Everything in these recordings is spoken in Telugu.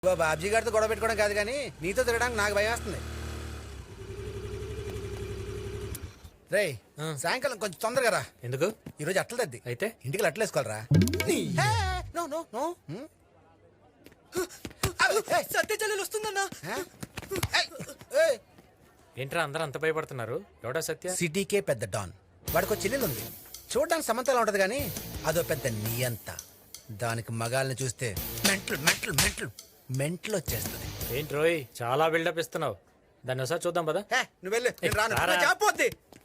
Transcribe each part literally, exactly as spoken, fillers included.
బాబ్జీ గారితో గొడవ పెట్టుకోవడం కాదు కానీ నీతో తిరగడానికి నాకు భయం వేస్తుంది. రే సాయంకాలం కొంచెం తొందరగా రా. ఎందుకు? ఈరోజు అట్ల తద్ది అయితే ఇంటికి అట్ల వేసుకోవాలరా. నో నో నో సత్య చెల్లెలు వస్తుందన్నా. ఏంట్రా అందరూ అంత భయపడుతున్నారు? ఎవడా సత్య? సిటీకే పెద్ద డాన్. వాడికి చెల్లెలు ఉంది, చూడడానికి సమంతలా ఉంటది కానీ అదో పెద్ద నియంత. దానికి మగాల్ని చూస్తే మెంటల్ మెంటల్ మెంటల్ మెంటల్ వచ్చేస్తుంది. ఏంటి రోయ్ చాలా బిల్డప్ ఇస్తున్నావు? దాన్ని ఒకసారి చూద్దాం పదా. నువ్వు వెళ్ళు, నేను రాను. రారా. చాపోద్ది.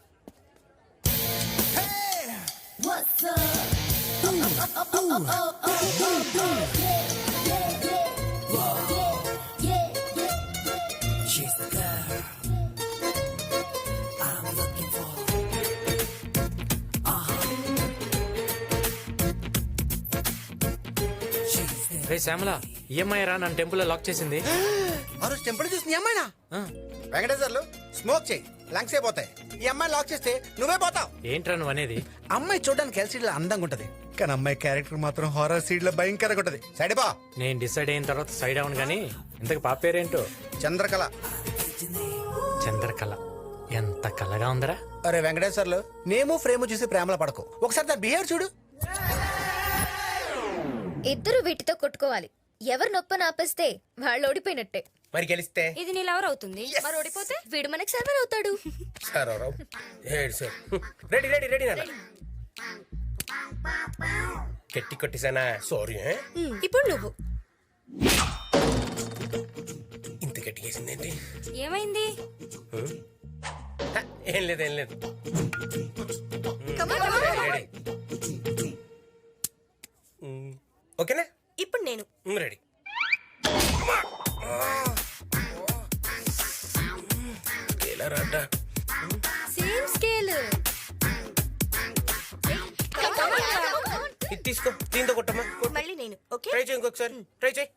రే శ్యామల, ఈఎంఐ రా నన్ను టెంపుల్ లో లాక్ చేసింది. ఆ రోజు టెంపుల్ చూసి నీ అమ్మాయినా? వెంకటేశ్వర్లు స్మోక్ చేయి, లంగ్స్ అయిపోతాయి. ఈ అమ్మాయి లాక్ చేస్తే నువ్వే పోతావు. ఏంట్రా నువ్వు అనేది? అమ్మాయి చూడడానికి ఎల్సీడీ లో అందంగా ఉంటది, కానీ అమ్మాయి క్యారెక్టర్ మాత్రం హారర్ సీడ్ లో భయంకరంగా ఉంటది. సైడ్ బా. నేను డిసైడ్ అయిన తర్వాత సైడ్ అవును గానీ ఇంతకు పాప పేరేంటో? చంద్రకళ. చంద్రకళ. ఎంత కళగా ఉందరా. అరే వెంకటేశ్వర్లు, నేము ఫ్రేమ్ చూసి ప్రేమలో పడకు, ఒకసారి దాని బిహేవియర్ చూడు. ఇద్దరు వీటితో కొట్టుకోవాలి. ఎవరు నొప్పని ఆపేస్తే వాళ్ళు ఓడిపోయినట్టే. మరి గెలిస్తే ఇది నీ లవర్ అవుతుంది, మరి ఓడిపోతే వీడు మనకి సర్వర్ అవుతాడు. రెడీ రెడీ రెడీ నాన్న. గట్టి కొట్టేసానా? సారీ. ఇప్పుడు నువ్వు. ఇంత గట్టి వేసిందేంటి? ఏమైంది? ఏం లేదు ఏం లేదు. రెడీ. ఓకేనా? ఇప్పుడు నేను రెడీ. ఎలా రాడ్డా? Same scale. ఇది తీసుకో, దీంతో కొట్టమ్మా. మళ్ళీ నేను. ఓకే, ట్రై చేయి, ఇంకొకసారి ట్రై చేయి.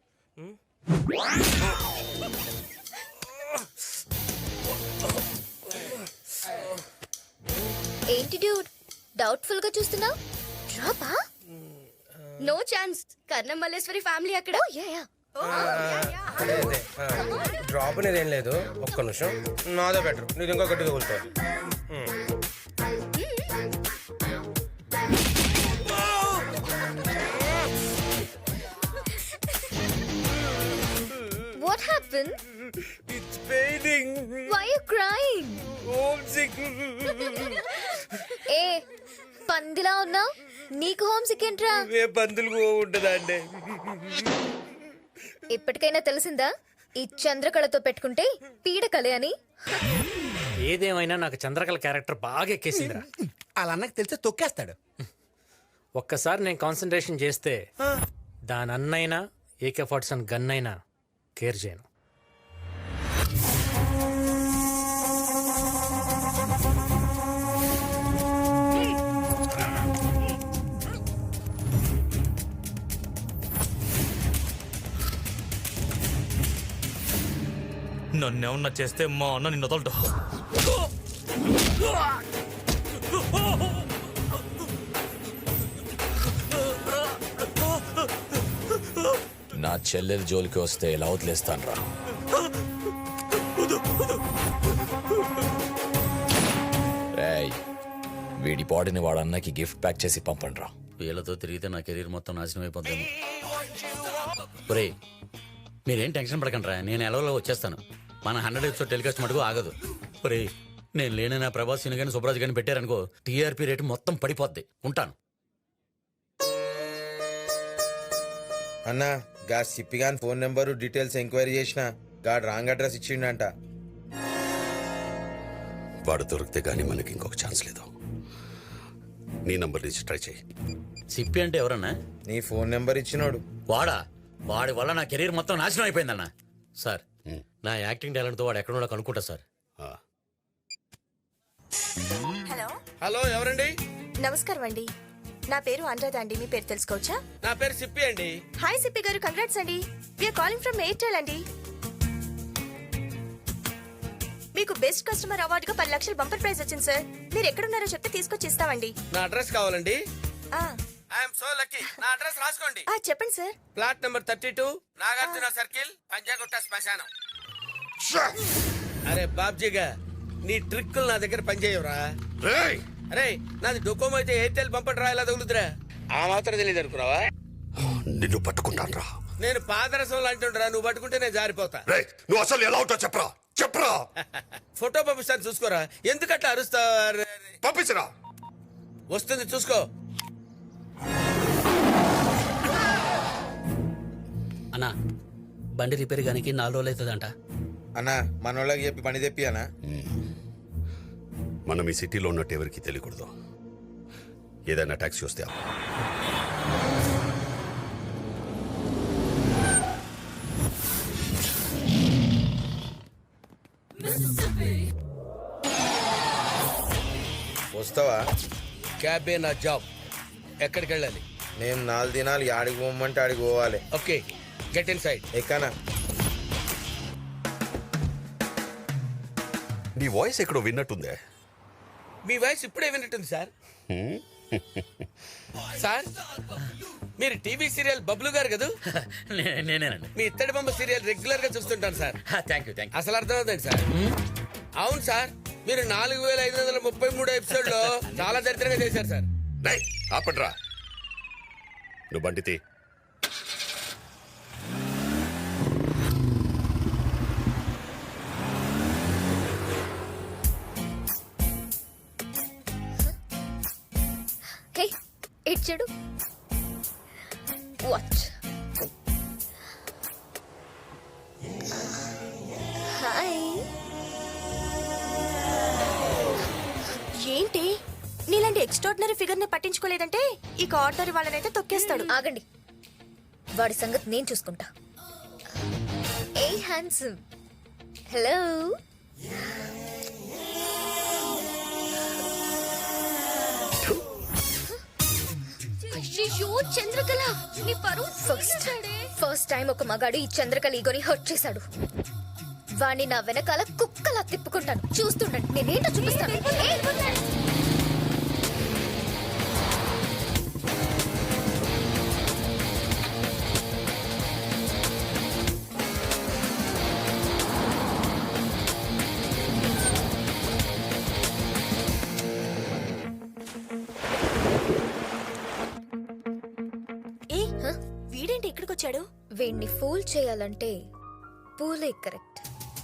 ఏంటి డ్యూడ్ డౌట్ఫుల్ గా చూస్తున్నావు? డ్రాపా? No chance. Karnam Malleswari family అక్కడ. డ్రాప్ అనేది ఏం లేదు. ఒక్క నిమిషం, నాదే బెటర్. నీది ఇంకో గట్టిగా కూర్చోవాలి. What happened? It's paining. Why are you crying? Homesick. ఏ పందిలా ఉన్నావు? నీకు హోమ్ సిక్ ఏంట్రా? ఏ పందులు ఉంటుందా అండి? ఇప్పటికైనా తెలిసిందా ఈ చంద్రకళతో పెట్టుకుంటే పీడకలే అని? ఏదేమైనా నాకు చంద్రకళ క్యారెక్టర్ బాగా ఎక్కేసిందిరా. అలా అన్నకి తెలిస్తే తొక్కేస్తాడు. ఒక్కసారి నేను కాన్సన్ట్రేషన్ చేస్తే దాని అన్నైనా ఏకే ఫార్టీ సెవెన్ గన్ అయినా కేర్ చేయను. నన్నేమన్నా చేస్తే మా అన్న నిన్ను వదలడు. నా చెల్లెలు జోలికి వస్తే ఎలా వదిలేస్తాను రా. రేయ్, వీడి బాడీని వాడు అన్నకి గిఫ్ట్ ప్యాక్ చేసి పంపండి రా. వీళ్ళతో తిరిగితే నా కెరీర్ మొత్తం నాశనం అయిపోతాను. ఒరే మీరేం టెన్షన్ పడకండి రా, నేను ఎలవలో వచ్చేస్తాను. మన హండ్రెడ్ ఎపిసోడ్ టెలికాస్ట్ మటుకు ఆగదు. ఒరే నేను లేని నా ప్రభాస్ సిని కానీ సుబ్రాజ్ కానీ పెట్టారనుకో టీఆర్పీ రేటు మొత్తం పడిపోద్ది. ఉంటాను. అన్నా గా సిప్పిగాన్ ఫోన్ నెంబరు డీటెయిల్స్ ఎంక్వైరీ చేసిన గాడు రాంగ్ అడ్రస్ ఇచ్చిండంట. వాడు దొరికితే గానీ మనకి ఇంకొక ఛాన్స్ లేదు. నీ నంబర్ నుంచి ట్రై చేయి. సిప్పి అంటే ఎవరన్నా? నీ ఫోన్ నెంబర్ ఇచ్చినోడు. వాడా? వాడి వల్ల నా కెరీర్ మొత్తం నాశనం అయిపోయిందన్న. సార్ నా యాక్టింగ్ టాలెంట్తో వాడు ఎక్కడో కనుక్కుంటా సార్. హలో హలో, ఎవరండి? నమస్కారం అండి, నా పేరు అనురాధ అండి. మీ పేరు తెలుసుకోవచ్చా? నా పేరు సిప్పి అండి. హాయ్ సిప్పి గారు, కంగ్రాట్స్ అండి. వీఆర్ కాలింగ్ ఫ్రమ్ ఎయిర్టెల్ అండి. మీకు బెస్ట్ కస్టమర్ అవార్డుగా పది లక్షలు బంపర్ ప్రైజ్ వచ్చింది సార్. మీరు ఎక్కడున్నారో చెప్తే తీసుకొచ్చి ఇస్తామండి. నా అడ్రస్ కావాలండి. I'm so lucky. నా అడ్రస్ రాసుకోండి. ఆ చెప్పండి sir. Plot number thirty two. Nagarjuna circle, Panjagutta శ్మశానం. అరే బాబ్జీగా నీ ట్రిక్కులు నా దగ్గర పనిచేయవురా. రేయ్ అరే నాది డొకోమో అయితే ఎయిర్టెల్ పంపడం రా, ఇలా తగులుతురా. ఆ మాత్రం తెలియదు అనుకున్నావా? నిన్ను పట్టుకుంటాను రా. నేను పాదరసం అంటుండరా, నువ్వు పట్టుకుంటే నేను జారిపోతా. రేయ్ నువ్వు అసలు ఎలా ఉంటావు చెప్పరా చెప్పరా. ఫోటో పంపిస్తాను చూసుకోరా. ఎందుకట్లా అరుస్తావు? పంపించరా. వస్తుంది చూసుకో. అన్నా బండి రిపేర్ గానికి నాలుగు రోజులు అవుతుందంట. అన్నా మనోళ్ళకి చెప్పి పని తెప్పి అన్నా. మనం ఈ సిటీలో ఉన్నట్టు ఎవరికి తెలియకూడదు. ఏదైనా ట్యాక్సీ వస్తే ఆపు. వస్తావా? క్యాబే నా జాబ్. ఎక్కడికి వెళ్ళాలి? నేను నాలుగు దినాలు ఆడికి పోమంటే ఆడికి పోవాలి. Okay get inside. ఎక్కనా? నీ వాయిస్ ఎక్కడో విన్నట్టుందే. మీ వాయిస్ ఇప్పుడే విన్నట్టుంది సార్. సార్ మీరు టీవీ సీరియల్ బబ్లు గారు కదా? నే- నేనేనండి. మీ ఇత్తడి బొమ్మ సీరియల్ రెగ్యులర్ గా చూస్తుంటాను sir. Thank you thank you. అసలు అర్థమవుతుంది సార్. అవును సార్, మీరు నాలుగు వేల ఐదు వందల ముప్పై మూడు ఎపిసోడ్ లో చాలా దరిద్రంగా చేశారు సార్. రేయ్ ఆపండ్రా. నువ్వు బండి తీ. హే ఇటు చూడు. వాచ్. హాయ్. ఏంటి నీలాంటి ఎక్స్ట్రాడినరీ ఫిగర్ ని పట్టించుకోలేదంటే ఇక ఆర్డర్ వాళ్ళనైతే తొక్కేస్తాడు. ఆగండి, వాడి సంగతి నేను చూసుకుంటా. ఏ హ్యాండ్సమ్. హలో. అయ్యో చంద్రకళ, నీ పరువు ఫస్ట్ ఫస్ట్ టైం ఒక మగాడు ఈ చంద్రకళ ఈగోని హర్ట్ చేశాడు. వాణ్ణి నా వెనకాల కుక్కలా తిప్పుకుంటాను, చూస్తుండండి. నేనేంటో చూపిస్తాను. ఏయ్! ఏ వీడేంటి ఇక్కడికి వచ్చాడు? వీణ్ణి ఫూల్ చేయాలంటే పూలే కరెక్ట్.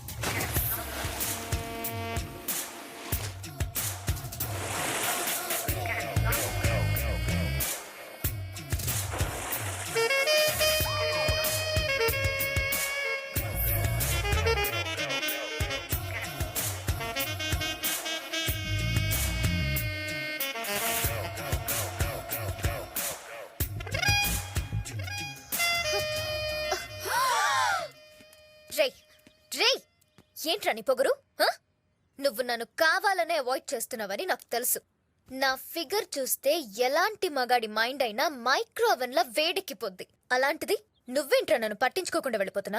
రేయ్ రేయ్, ఏంట్రా నీ పొగరు? హ? నువ్వు నన్ను కావాలనే అవాయిడ్ చేస్తున్నావని నాకు తెలుసు. నా ఫిగర్ చూస్తే ఎలాంటి మగాడి మైండ్ అయినా మైక్రో ఓవెన్ లా వేడెక్కిపోద్ది. అలాంటిది నువ్వేంట్రా నన్ను పట్టించుకోకుండా వెళ్ళిపోతున్నా?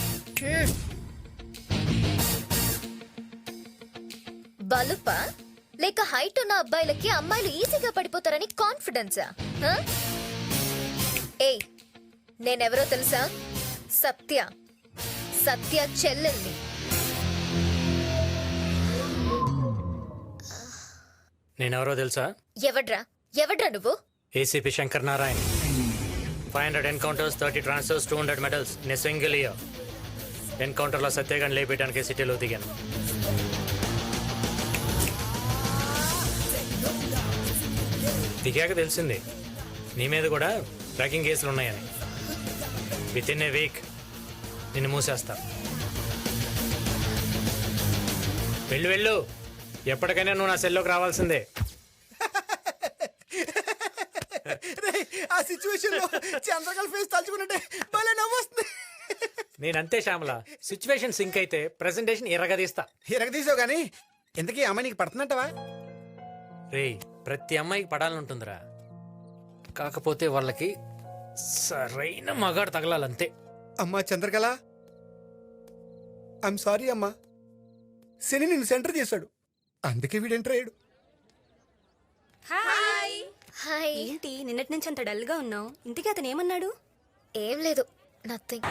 బలుపా లేక హైట్ ఉన్న అబ్బాయిలకి అమ్మాయిలు ఈజీగా పడిపోతారని కాన్ఫిడెన్సా? హ? ఏయ్, నేనెవరో తెలుసా? సత్య. సత్య చెల్లెల్ని. నేనెవరో తెలుసా? ఎవడ్రా ఎవడ్రా నువ్వు? ACP Shankar Narayan. Five hundred encounters, thirty transfers, two hundred medals in a single year. ఎన్కౌంటర్లో సత్యగాన్ని లేపేయడానికి సిటీలో దిగాను. దిగాక తెలిసింది నీ మీద కూడా ట్రాకింగ్ కేసులు ఉన్నాయని. విత్ ఇన్ ఏ వీక్ నిన్ను మూసేస్తా. వెళ్ళు వెళ్ళు, ఎప్పటికైనా నువ్వు నా సెల్లోకి రావాల్సిందే. ఆ సిచ్యువేషన్ లో చంద్రకళ ఫేస్ తలుచుకున్నట్టే భలే నవ్వొస్తుంది. నేనంతే శ్యామల, సిచ్యువేషన్ సింక్ అయితే ప్రెజెంటేషన్ ఎర్రగదీస్తా. ఎరగదీసావు గానీ ఇంతకీ అమ్మాయి నీకు పడుతున్నట్టవా? రేయ్, ప్రతి అమ్మాయికి పడాలంటుందిరా, కాకపోతే వాళ్ళకి సరైన మగాడు తగలాలంతే. అమ్మా చంద్రకళ, ఐఎమ్ సారీ అమ్మా. శని నిన్ను సెంటర్ చేశాడు, అందుకే వీడు ఎంటర్ అయ్యాడు. Hi hi. ఏంటి నిన్నటి నుంచి అంత డల్ గా ఉన్నావు? ఇంతకీ అతను ఏమన్నాడు? ఏం లేదు, నథింగ్.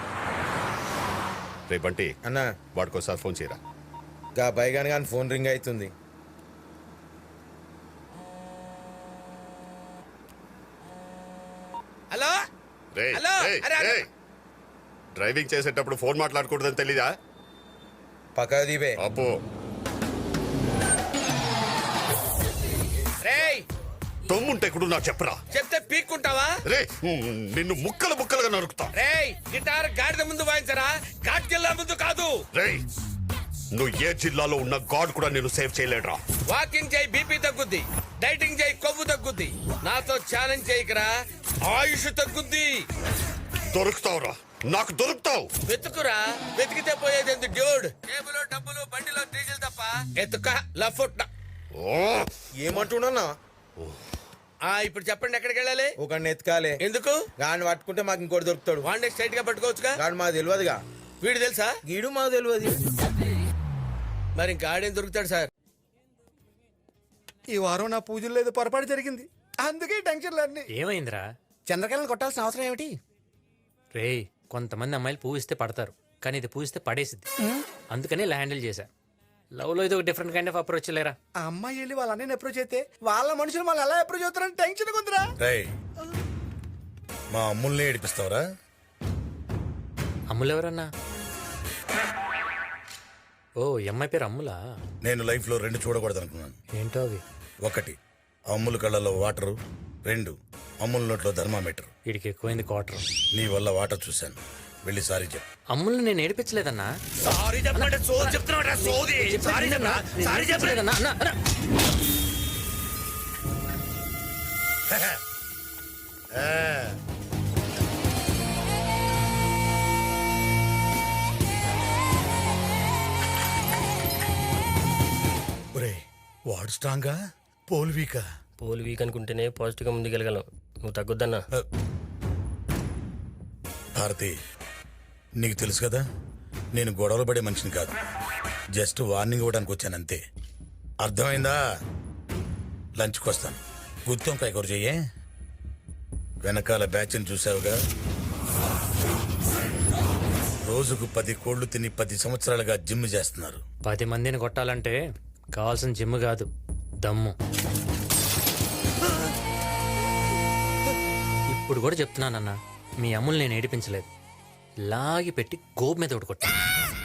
రే బంటి అన్న వాడికోసారి ఫోన్ చేయరా. గా బైగాన్ గాని ఫోన్ రింగ్ అవుతుంది. హలో రే హలో, రే, అరే, అరే. రే. డ్రైవింగ్ చేసేటప్పుడు ఫోన్ మాట్లాడకూడదని తెలీదా? పక్క దీపే అబ్బో రేయ్ తమ్ముంటే కూడా నాకు చెప్పరా. చెప్తే పీక్కుంటావా? రే నిన్ను ముక్కలు ముక్కలుగా నరుకుతా. రేయ్ గిటార్ గాడిద ముందు వాయించరా, ఘాట్కెళ్ళ ముందు కాదు. రే నువ్వు ఏ జిల్లాలో ఉన్న గాడ్ కూడా నేను సేవ్ చేయలేడురా. వాకింగ్ చేయి, బీపీ తగ్గుద్ది. డైటింగ్ చేయి, కొవ్వు తగ్గుద్ది. నాతో ఛాలెంజ్ చేయకరా, ఆయుష్ తగ్గుద్ది. దొరుకుతావురా, నాకు దొరుకుతావు. వెతుకురా, వెతికితే పోయేది ఎందుకు డ్యూడ్? టేబుల్ డబ్బులు బండిలో డీజిల్ తప్ప ఎత్తుక లఫుట్. ఓ ఏమంటున్నా? ఆ ఇప్పుడు చెప్పండి, ఎక్కడికి వెళ్ళాలి? ఒక ఎత్కాలే. ఎందుకు? గాని పట్టుకుంటే మాకు ఇంకోటి దొరుకుతాడు. వాడిని స్ట్రైట్ గా పట్టుకోవచ్చుగా. గాని మాకు తెలియదుగా. వీడు తెలుసా? గీడు మాకు తెలియదు. మరి ఇంకా ఆడేం దొరుకుతాడు సార్? ఈ వారం నా పూజలు లేదు, పొరపాటు జరిగింది, అందుకే టెన్షన్లు అన్ని. ఏమైందిరా? చంద్రకళను కొట్టాల్సిన అవసరం ఏమిటి? రేయ్, కొంతమంది అమ్మాయిలు పూవిస్తే పడతారు, కానీ ఇది పూవిస్తే పడేసిద్ది. అందుకని ఇలా హ్యాండిల్ చేశా. లవ్ లో ఇది ఒక డిఫరెంట్ కైండ్ ఆఫ్ అప్రోచ్ లేరా. ఆ అమ్మాయి వెళ్ళి వాళ్ళ అన్నయ్యని అప్రోచ్ అయితే వాళ్ళ మనుషులు వాళ్ళు ఎలా అప్రోచ్ అవుతారని టెన్షన్ ఉందిరా. మా అమ్ముల్ని ఏడిపిస్తావరా? అమ్ములు ఎవరన్నా? ఓ, ఈ అమ్మాయి పేరు అమ్ములా? నేను లైఫ్ లో రెండు చూడకూడదు అనుకున్నాను. ఏంటో అవి? ఒకటి అమ్ముల కళ్ళలో వాటరు, రెండు అమ్ముల నోట్లో థర్మామీటర్. వీడికి ఎక్కువైంది క్వార్టర్. నీ వల్ల వాటర్ చూశాను, వెళ్ళి సారీ చెప్పు. అమ్ముల్ని నేను ఏడిపించలేదన్నా. సారీ చెప్పండి, సోది చెప్తున్నాడు సోది. సారీ చెప్పరా, సారీ చెప్పలేదన్నా. అన్నా, అన్నా. ఒరేయ్, వాడు స్ట్రాంగా పోల్ వీకా? పోల్ వీక్ అనుకుంటేనే పాజిటివ్గా ముందుకెళ్ళగలం. నువ్వు తగ్గొద్దన్నా. భారతి, నీకు తెలుసు కదా నేను గొడవలు పడే మనిషిని కాదు. జస్ట్ వార్నింగ్ ఇవ్వడానికి వచ్చాను అంతే. అర్థమైందా? లంచ్కి వస్తాను. గుత్తొంకాయ కూర చెయ్యే. వెనకాల బ్యాచ్ని చూసావుగా, రోజుకు పది కోళ్లు తిని పది సంవత్సరాలుగా జిమ్ చేస్తున్నారు. పది మందిని కొట్టాలంటే కావాల్సిన జిమ్ కాదు, దమ్ము. ఇప్పుడు కూడా చెప్తున్నానన్నా, మీ అమ్ములు నేను ఏడిపించలేదు. లాగి పెట్టి గోపు మీద ఒకటి కొట్టా.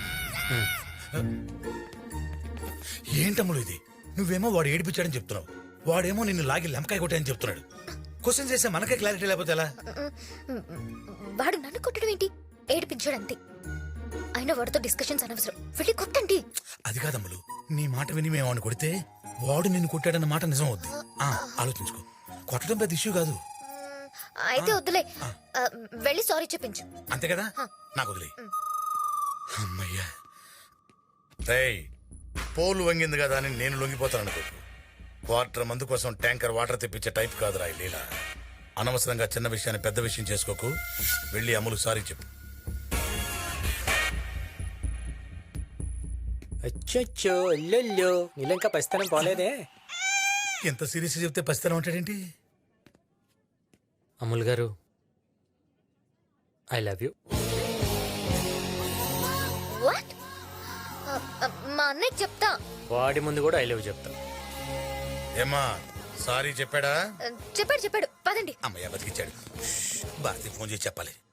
ఏంటమ్ములు ఇది? నువ్వేమో వాడు ఏడిపించాడని చెప్తున్నావు, వాడేమో నిన్ను లాగి లెంకాయ కొట్టాయని చెప్తున్నాడు. క్వశ్చన్ చేస్తే మనకే క్లారిటీ లేకపోతే ఎలా? వాడు నన్ను కొట్టడం ఏంటి? ఏడిపించాడంతే. అయినా వాడితో డిస్కషన్స్ అనవసరం, వెళ్ళి కొట్టండి. అది కాదమ్ములు, నీ మాట విని మేము వాడిని కొడితే వాడు నిన్ను కొట్టాడన్న మాట నిజం అవుద్ది. ఆ, ఆలోచించుకో. కొట్టడం పెద్ద ఇష్యూ కాదు. అయితే వద్దులే, ఆ, వెళ్ళి సారీ చెప్పించు. అంతే కదా? నాకు వదిలే. అమ్మయ్యా. రేయ్, పోలు వంగింది కదా అని నేను లొంగిపోతాను అనుకో. క్వార్టర్ మందు కోసం ట్యాంకర్ వాటర్ తెప్పించే టైప్ కాదురా ఈ లీల. అనవసరంగా చిన్న విషయాన్ని పెద్ద విషయం చేసుకోకు. వెళ్ళి అమ్ములు సారీ చెప్పు. అచ్చో అల్లెల్లో, నీళ్ళు ఇంకా పరిస్థితి పోలేదే. ఎంత సీరియస్ చెప్తే పసితనం ఉంటాడేంటి? అమ్ముల్ గారు, ఐ లవ్ యూ. వాట్? మా అన్నయ్య చెప్తా. వాడి ముందు కూడా ఐ లవ్ చెప్తా. ఏమ్మా, సారీ చెప్పాడా? చెప్పాడు చెప్పాడు, పదండి. అమ్మయ్య బతికిచ్చాడు. భారతి ఫోన్ చేసి చెప్పాలి.